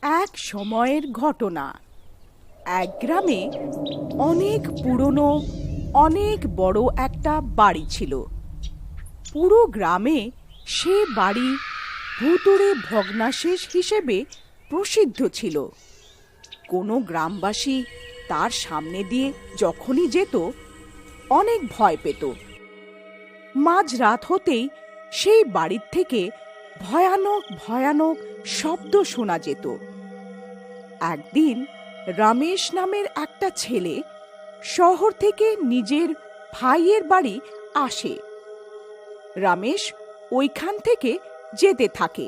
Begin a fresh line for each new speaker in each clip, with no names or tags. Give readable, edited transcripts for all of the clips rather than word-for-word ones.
এক সময়ের ঘটনা। এক গ্রামে অনেক পুরনো, অনেক বড় একটা বাড়ি ছিল। পুরো গ্রামে সে বাড়ি ভুতুড়ে ভগ্নাশেষ হিসেবে প্রসিদ্ধ ছিল। কোনো গ্রামবাসী তার সামনে দিয়ে যখনই যেত, অনেক ভয় পেত। মাঝরাত হতেই সেই বাড়ির থেকে ভয়ানক ভয়ানক শব্দ শোনা যেত। একদিন রমেশ নামের একটা ছেলে শহর থেকে নিজের ভাইয়ের বাড়ি আসে। রমেশ ওইখান থেকে যেতে থাকে।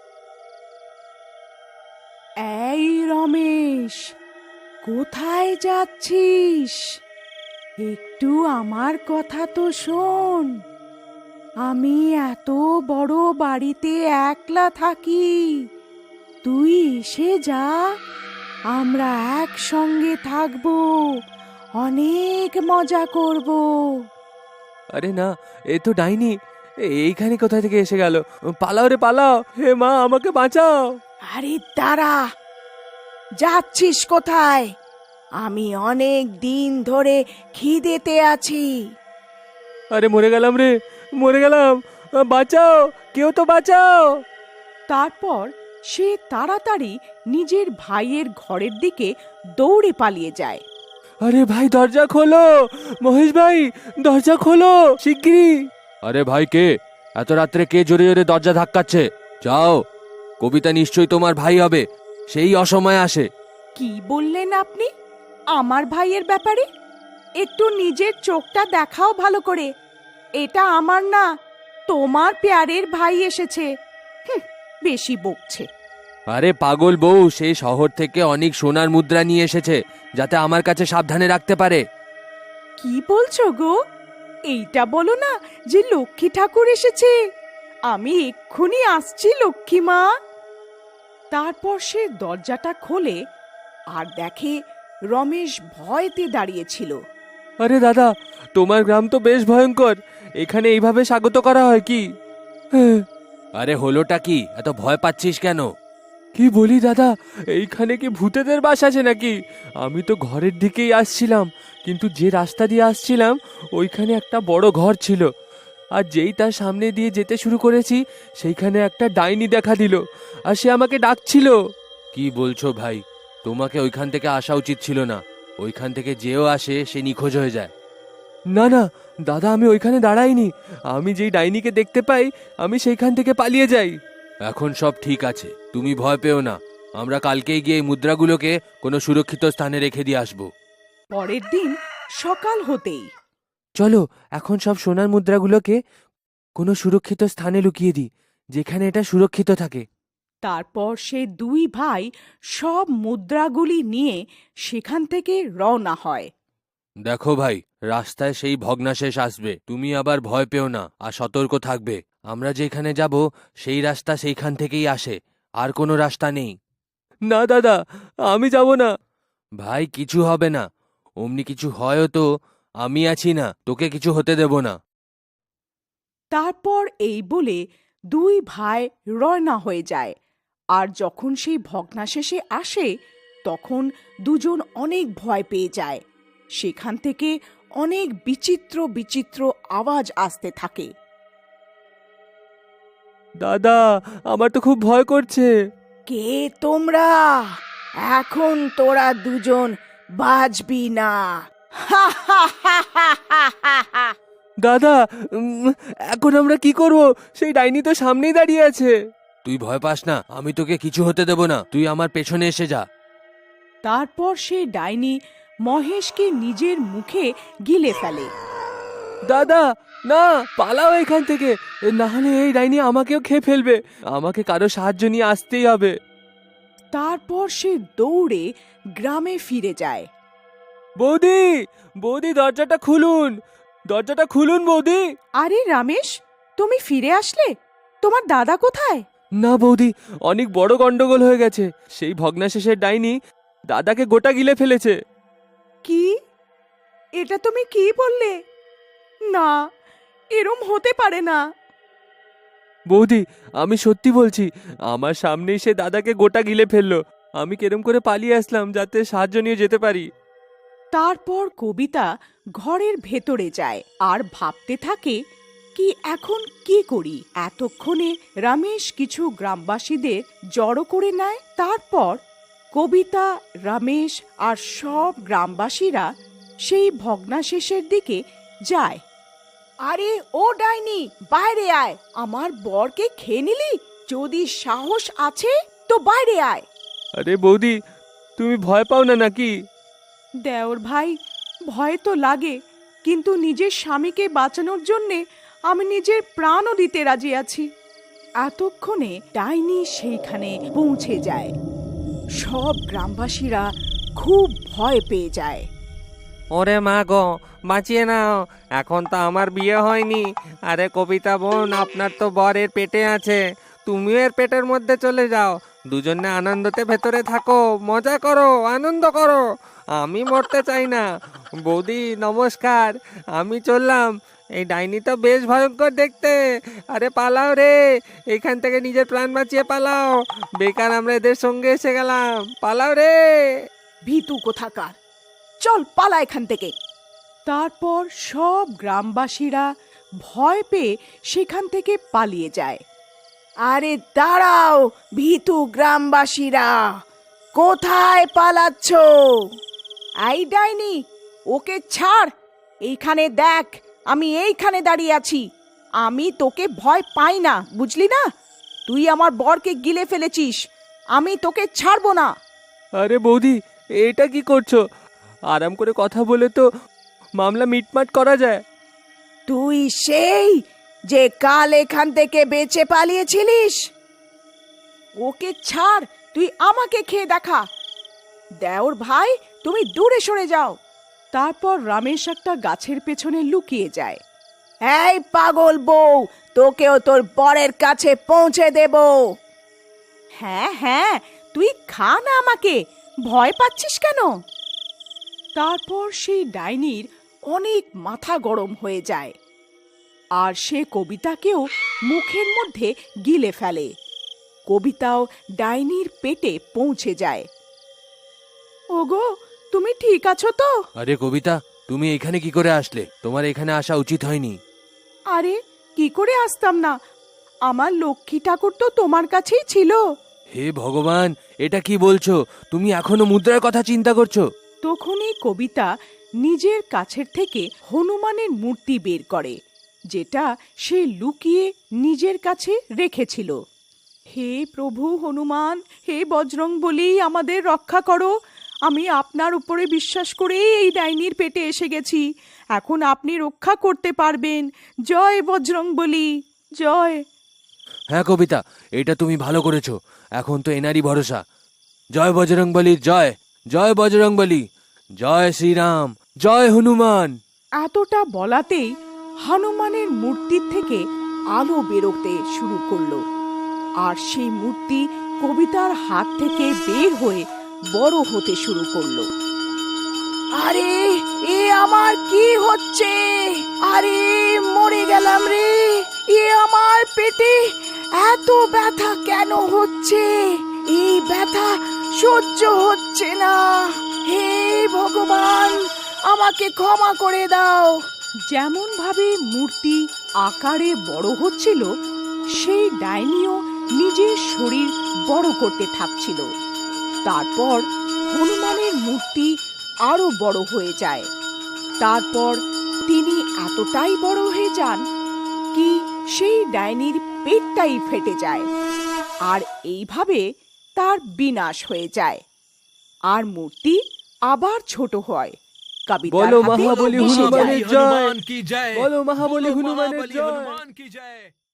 এই রমেশ, কোথায় যাচ্ছিস? একটু আমার কথা তো শোন। আমি এত বড় বাড়িতে একলা থাকি, তুই এসে যা, আমরা একসঙ্গে থাকবো, অনেক মজা করব।
আরে না, এ তো ডাইনি। এইখানে কোথা থেকে এসে গেল? পালাও রে পালাও, হে মা আমাকে বাঁচাও।
আরে দাঁড়া, যাচ্ছিস কোথায়? আমি অনেক দিন ধরে খিদেতে আছি।
আরে মরে গেলাম রে, মরে গেলাম, বাঁচাও, কেউ তো বাঁচাও।
তারপর সে তাড়াতাড়ি নিজের ভাইয়ের ঘরের দিকে দৌড়ে পালিয়ে যায়।
আরে ভাই দরজা খোলো, মহেশ ভাই দরজা খোলো শিগগিরই। আরে ভাই কে? এত রাত্রে কে জোরে জোরে দরজা ধাক্কাচ্ছে? যাও, কবিতা নিশ্চয়ই তোমার ভাই হবে, সেই অসময়ে আসে।
কি বললেন আপনি আমার ভাইয়ের ব্যাপারে? একটু নিজের চোখটা দেখাও ভালো করে। এটা আমার না, তোমার প্যারের ভাই এসেছে। হুঁ, বেশি বকছে।
আরে পাগল বউ, সেই শহর থেকে অনেক সোনার মুদ্রা নিয়ে এসেছে, যাতে আমার কাছে সাবধানে রাখতে পারে।
কি বলছো গো? এইটা বলো না যে লক্ষ্মী ঠাকুর এসেছে। আমি এক্ষুনি আসছি লক্ষ্মী মা। তারপর সে দরজাটা খোলে আর দেখে রমেশ ভয়তে দাঁড়িয়েছিল।
আরে দাদা, তোমার গ্রাম তো বেশ ভয়ঙ্কর, এখানে এইভাবে স্বাগত করা হয় কি? আরে হলোটা কি, এত ভয় পাচ্ছিস কেন? কি বলি দাদা, এইখানে কি ভূতেদের বাস আছে নাকি? আমি তো ঘরের দিকেই আসছিলাম, কিন্তু যে রাস্তা দিয়ে আসছিলাম ওইখানে একটা বড় ঘর ছিল, আর যেই তার সামনে দিয়ে যেতে শুরু করেছি সেইখানে একটা ডাইনি দেখা দিল, আর সে আমাকে ডাকছিল। কি বলছো ভাই? তোমাকে ওইখান থেকে আসা উচিত ছিল না, ওইখান থেকে যেও আসে সে নিখোঁজ হয়ে যায়। না না দাদা, আমি ওইখানে দাঁড়াইনি, আমি যেই ডাইনিকে দেখতে পাই আমি সেইখান থেকে পালিয়ে যাই। এখন সব ঠিক আছে, তুমি ভয় পেও না, আমরা কালকেই গিয়ে এই মুদ্রাগুলোকে কোনো সুরক্ষিত স্থানে রেখে দিয়ে আসবো।
পরের দিন সকাল হতেই
চলো এখন সব সোনার মুদ্রাগুলোকে কোনো সুরক্ষিত স্থানে লুকিয়ে দিই, যেখানে এটা সুরক্ষিত থাকে।
তারপর সে দুই ভাই সব মুদ্রাগুলি নিয়ে সেখান থেকে রওনা হয়।
দেখো ভাই, রাস্তায় সেই ভগ্নাশেষ আসবে, তুমি আবার ভয় পেও না আর সতর্ক থাকবে। আমরা যেখানে যাব সেই রাস্তা সেইখান থেকেই আসে, আর কোনো রাস্তা নেই। না দাদা, আমি যাব না। ভাই কিছু হবে না, অমনি কিছু হয়ও তো আমি আছি না, তোকে কিছু হতে দেব না।
তারপর এই বলে দুই ভাই রওনা হয়ে যায়। আর যখন সেই ভগ্নাশেষে আসে তখন দুজন অনেক ভয় পেয়ে যায়। সেখান থেকে অনেক বিচিত্র বিচিত্র আওয়াজ আসতে থাকে।
দাদা, আমার তো খুব ভয় করছে।
কে তোমরা? এখন তোরা দুজন বাঁচবি না।
দাদা, এখন আমরা কি করব? সেই ডাইনি তো সামনেই দাঁড়িয়ে আছে। তুই ভয় পাস না, আমি তোকে কিছু হতে দেব না, তুই আমার পেছনে এসে যা।
তারপর সে ডাইনি মহেশকে নিজের মুখে গিলে ফেলে।
দাদা না, পালাও এখান থেকে, না হলে এই ডাইনি আমাকেও খেয়ে ফেলবে। আমাকে কারো সাহায্য নিয়ে আসতেই হবে।
তারপর সে দৌড়ে গ্রামে ফিরে যায়।
বৌদি, বৌদি দরজাটা খুলুন, দরজাটা খুলুন বৌদি।
আরে রমেশ, তুমি ফিরে আসলে? তোমার দাদা কোথায়?
না বৌদি, অনেক বড় গন্ডগোল হয়ে গেছে, সেই ভগ্নাশেষের ডাইনি দাদাকে গোটা গিলে ফেলেছে।
কি? এটা তুমি কি বললে? না, এরম হতে পারে না।
বৌদি, আমি সত্যি বলছি, আমার সামনেই সে দাদাকে গোটা গিলে ফেললো, আমি কেরম করে পালিয়ে আসলাম যাতে সাহায্য নিয়ে যেতে পারি।
তারপর কবিতা ঘরের ভেতরে যায় আর ভাবতে থাকে কি এখন কি করি। এতক্ষণে রমেশ কিছু গ্রামবাসীদের জড়ো করে নেয়। তারপর কবিতা, রমেশ আর সব গ্রামবাসীরা সেই ভগ্নাশেষের দিকে যায়। আরে ও ডাইনি, বাইরে আয়, আমার বরকে খেয়ে নিলি? যদি সাহস আছে তো বাইরে আয়।
আরে বৌদি, তুমি ভয় পাও না নাকি?
দেওর ভাই, ভয় তো লাগে, কিন্তু নিজের স্বামীকে বাঁচানোর জন্যে আমি নিজের প্রাণও দিতে রাজি আছি। এতক্ষণে ডাইনি সেইখানে পৌঁছে যায়। সব গ্রামবাসীরা খুব ভয় পেয়ে যায়।
ওরে মা গো, বাঁচিয়ে নাও, এখন তো আমার বিয়ে হয়নি। আরে কবিতা বোন, আপনার তো বরের পেটে আছে, তুমিও এর পেটের মধ্যে চলে যাও, দুজনে আনন্দতে ভেতরে থাকো, মজা করো, আনন্দ করো। আমি মরতে চাই না। বৌদি নমস্কার, আমি চললাম। এই ডাইনি তো বেশ ভয়ঙ্কর দেখতে। আরে পালাও রে, এখান থেকে নিজের প্রাণ বাঁচিয়ে পালাও, বেকার আমরা এদের সঙ্গে এসে গেলাম, পালাও রে।
ভীতু কোথাকার, চল পালা এখান থেকে। তারপর সব গ্রামবাসীরা ভয় পেয়ে সেখান থেকে পালিয়ে যায়। আরে দাঁড়াও ভীতু গ্রামবাসীরা, কোথায় পালাচ্ছ? এই ডাইনি, ওকে ছাড়। এইখানে দেখ, আমি এইখানে দাঁড়িয়ে আছি। আমি তোকে ভয় পাই না, বুঝলি না? তুই আমার বরকে গিলে ফেলেছিস, আমি তোকে ছাড়বো না।
আরে বৌদি, এটা কি করছো? আরাম করে কথা বলে তো মামলা মিটমাট করা যায়।
তুই সেই যে কাল এখান থেকে বেঁচে পালিয়েছিলিস? ওকে ছাড়, তুই আমাকে খেয়ে দেখা। দেওর ভাই, তুমি দূরে সরে যাও। তারপর রমেশ একটা গাছের পেছনে লুকিয়ে যায়। এই পাগল বউ, তোকেও তোর বরের কাছে পৌঁছে দেব। হ্যাঁ হ্যাঁ, তুই খা না আমাকে, ভয় পাচ্ছিস কেন? তারপর সেই ডাইনির অনেক মাথা গরম হয়ে যায় আর সে কবিতাকেও মুখের মধ্যে গিলে ফেলে। কবিতাও ডাইনির পেটে পৌঁছে যায়। ওগো, তুমি ঠিক আছো তো?
আরে কবিতা, তুমি এখানে কি করে আসলে? তোমার এখানে আসা উচিত হয়নি।
আরে কি করে আসতাম না, আমার লক্ষ্মী ঠাকুর তো তোমার কাছেই ছিল।
হে ভগবান, এটা কি বলছো? তুমি এখনো মুদ্রার কথা চিন্তা করছো?
তখনই কবিতা নিজের কাছের থেকে হনুমানের মূর্তি বের করে, যেটা সে লুকিয়ে নিজের কাছে রেখেছিল। হে প্রভু হনুমান, হে বজরংবলী, আমাদের রক্ষা করো। আমি আপনার উপরে বিশ্বাস করেই এই ডাইনির পেটে এসে গেছি, এখন আপনি রক্ষা করতে পারবেন। জয় বজরংবলী, জয়।
হ্যাঁ কবিতা, এটা তুমি ভালো করেছো। এখন তো এনারই ভরসা। জয় বজরংবলী, জয় জয় বজরংবলী, জয় শ্রীরাম, জয় হনুমান।
এতটা বলাতেই হনুমানের মূর্তির থেকে আলো বেরোতে শুরু করলো আর সেই মূর্তি কবিতার হাত থেকে বের হয়ে বড় হতে শুরু করলো। আরে এ আমার কি হচ্ছে? আরে মরে গেলাম রে, এ আমার পেটে এত ব্যথা কেন হচ্ছে? এই ব্যথা সহ্য হচ্ছে না। হে ভগবান, আমাকে ক্ষমা করে দাও। যেমন ভাবে মূর্তি আকারে বড় হচ্ছিল, সেই ডাইনিও নিজের শরীর বড় করতে থাকছিল। তারপর হনুমানের মূর্তি আরো বড় হয়ে যায়। তারপর তিনি এতটাই বড় হয়ে যান কি সেই ডাইনির পেটটাই ফেটে যায় আর এইভাবে তার বিনাশ হয়ে যায় আর মূর্তি আবার ছোট হয়। কবিতার
বলো
হাতে
মহাবলী
এসে যায়।
হনুমানের জয়,
की जय,
বলো মহাবলী
बोलो
হনুমানের
महाबली
জয়।
हनुमान की जय।